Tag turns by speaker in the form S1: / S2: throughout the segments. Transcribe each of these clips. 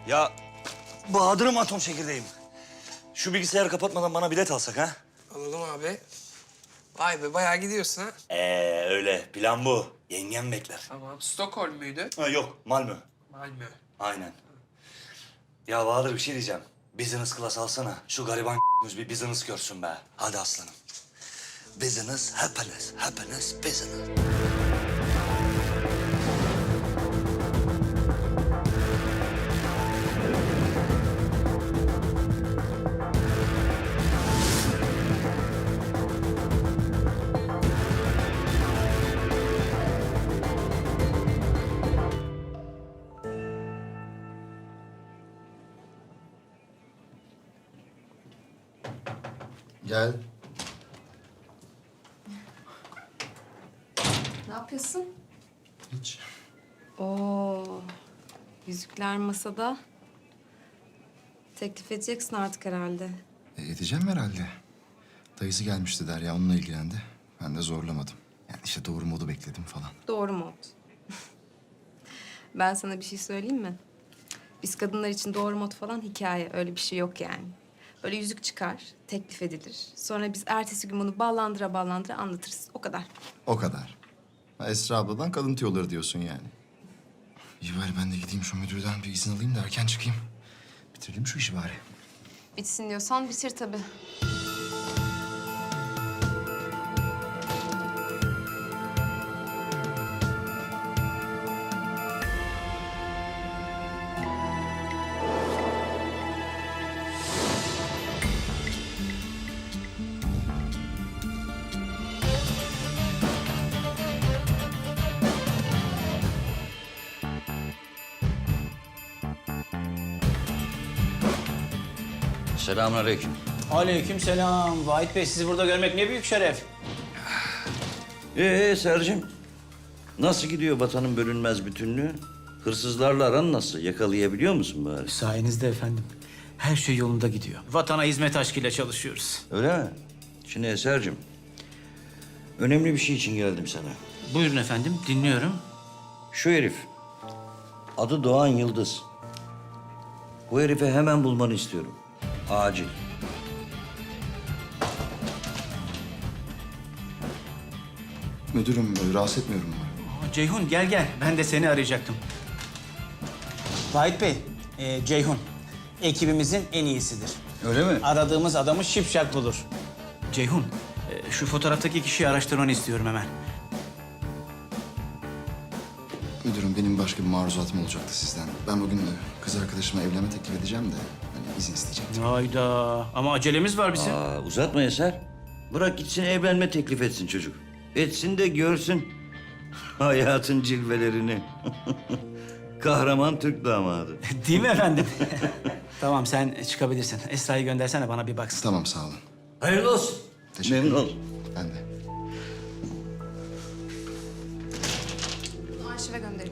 S1: Ya Bahadır'ım atom çekirdeğim. Şu bilgisayarı kapatmadan bana bilet alsak ha?
S2: Alalım abi. Vay be bayağı gidiyorsun ha.
S1: Öyle. Plan bu. Yengem bekler.
S2: Tamam. Stockholm muydu?
S1: Ha, yok, Malmö.
S2: Malmö.
S1: Aynen. Ya Bahadır bir şey diyeceğim. Business class alsana. Şu gariban bir business görsün be. Hadi aslanım. Business, happiness, happiness, business.
S3: Gel.
S4: Ne yapıyorsun?
S3: Hiç.
S4: Oo, yüzükler masada. Teklif edeceksin artık herhalde.
S3: Edeceğim herhalde. Dayısı gelmişti Derya, onunla ilgilendi. Ben de zorlamadım. Yani işte doğru modu bekledim falan.
S4: Doğru mod. Ben sana bir şey söyleyeyim mi? Biz kadınlar için doğru mod falan hikaye. Öyle bir şey yok yani. Böyle yüzük çıkar, teklif edilir. Sonra biz ertesi gün bunu ballandıra ballandıra anlatırız. O kadar.
S3: O kadar. Ha, Esra abladan kadın tüyoları diyorsun yani. İyi bari ben de gideyim şu müdürden bir izin alayım da erken çıkayım. Bitirelim şu işi bari.
S4: Bitsin diyorsan bitir tabii.
S1: Selamünaleyküm.
S5: Aleykümselam. Vahit Bey, sizi burada görmek ne büyük şeref.
S6: Sercim, nasıl gidiyor vatanın bölünmez bütünlüğü? Hırsızlarla aran nasıl? Yakalayabiliyor musun bari?
S5: Sayenizde efendim. Her şey yolunda gidiyor. Vatana hizmet aşkıyla çalışıyoruz.
S6: Öyle mi? Şimdi Eser'cim, önemli bir şey için geldim sana.
S5: Buyurun efendim, dinliyorum.
S6: Şu herif, adı Doğan Yıldız. Bu herifi hemen bulmanı istiyorum. Acil.
S3: Müdürüm, rahatsız etmiyorum umarım.
S5: Ceyhun gel gel. Ben de seni arayacaktım. Vahit Bey, Ceyhun ekibimizin en iyisidir.
S6: Öyle mi?
S5: Aradığımız adamı şipşak bulur. Ceyhun, şu fotoğraftaki kişiyi araştırmanı istiyorum hemen.
S3: Müdürüm, benim başka bir maruzatım olacaktı sizden. Ben bugün kız arkadaşıma evlenme teklif edeceğim de hani izin isteyecektim.
S5: Hayda, ama acelemiz var bizim.
S6: Uzatma Eser. Bırak gitsin evlenme teklif etsin çocuk. Etsin de görsün hayatın cilvelerini. Kahraman Türk damadı.
S5: Değil mi efendim? Tamam, sen çıkabilirsin. Esra'yı göndersene, bana bir baksın.
S3: Tamam, sağ olun.
S6: Hayırlı olsun.
S3: Teşekkür
S6: Memnun
S3: ederim.
S6: oldum.
S3: Ben de.
S4: Bunu arşive gönderin.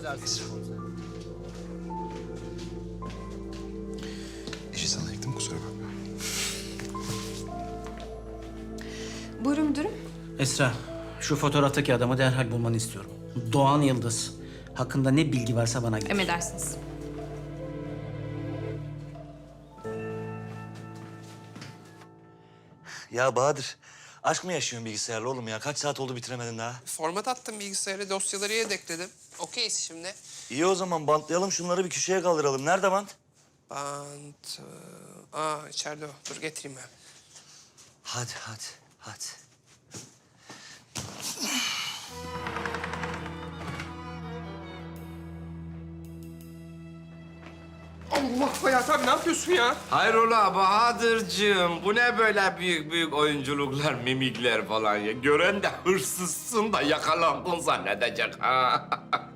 S3: İşi sana yıktım, kusura bakma.
S4: Buyurun müdürüm.
S5: Esra, şu fotoğraftaki adamı derhal bulmanı istiyorum. Doğan Yıldız. Hakkında ne bilgi varsa bana getir.
S4: Emredersiniz.
S1: Ya Bahadır, aşk mı yaşıyorsun bilgisayarla oğlum ya? Kaç saat oldu bitiremedin daha?
S2: Format attım bilgisayarı, dosyaları yedekledim. Okeyiz şimdi.
S1: İyi o zaman bantlayalım şunları bir köşeye kaldıralım. Nerede bant?
S2: Bant... içeride o. Dur getireyim ben.
S1: Hadi, hadi, hadi.
S2: Allah Hayat abi ne yapıyorsun ya?
S7: Hayrola Bahadır'cığım, bu ne böyle büyük büyük oyunculuklar, mimikler falan ya? Gören de hırsızsın da yakalandın zannedecek ha.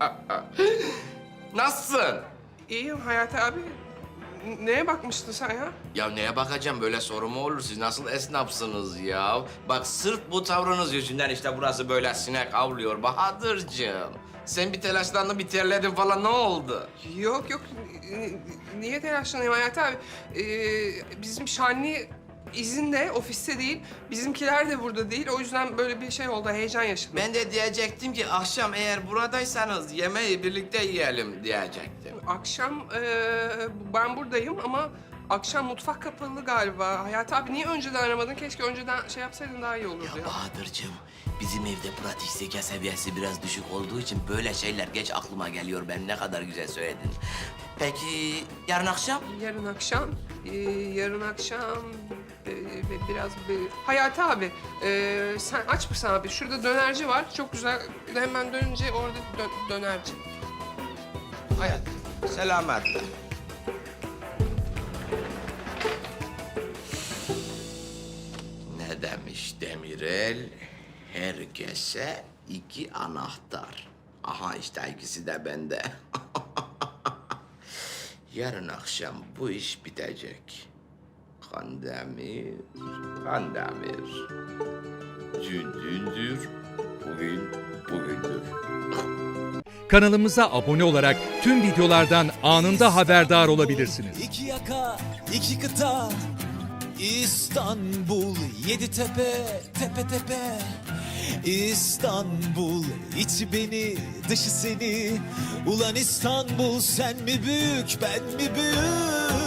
S7: Nasılsın?
S2: İyiyim Hayat abi. Neye bakmıştın sen ya?
S7: Ya neye bakacağım, böyle soru mu olur? Siz nasıl esnafsınız ya? Bak sırf bu tavrınız yüzünden işte burası böyle sinek avlıyor Bahadır'cığım. Sen bir telaşlandın, bir terledin falan, ne oldu?
S2: Yok yok. Niye telaşlanayım Hayat abi? Bizim Şanlı izinde, ofiste değil. Bizimkiler de burada değil. O yüzden böyle bir şey oldu. Heyecan yaşadım.
S7: Ben de diyecektim ki akşam eğer buradaysanız yemeği birlikte yiyelim diyecektim.
S2: Akşam ben buradayım ama akşam mutfak kapalı galiba. Hayati abi niye önceden aramadın? Keşke önceden şey yapsaydın daha iyi olurdu ya.
S7: Bahadır'cığım, bizim evde pratik zeka seviyesi biraz düşük olduğu için böyle şeyler geç aklıma geliyor. Ben ne kadar güzel söyledin. Peki yarın akşam?
S2: Yarın akşam biraz Hayati abi sen aç mısın abi? Şurada dönerci var. Çok güzel. Hemen dönünce orada dönerci.
S7: Hayat, selametle. Ne demiş Demirel? Herkese 2 anahtar. Aha işte ikisi de bende. Yarın akşam bu iş bitecek. Kandemir, Kandemir. Dündür, bugündür.
S8: Kanalımıza abone olarak tüm videolardan anında haberdar olabilirsiniz.
S9: İki yaka, iki kıta, İstanbul, 7 tepe, tepe tepe. İstanbul, içi beni, dışı seni. Ulan İstanbul, sen mi büyük, ben mi büyük?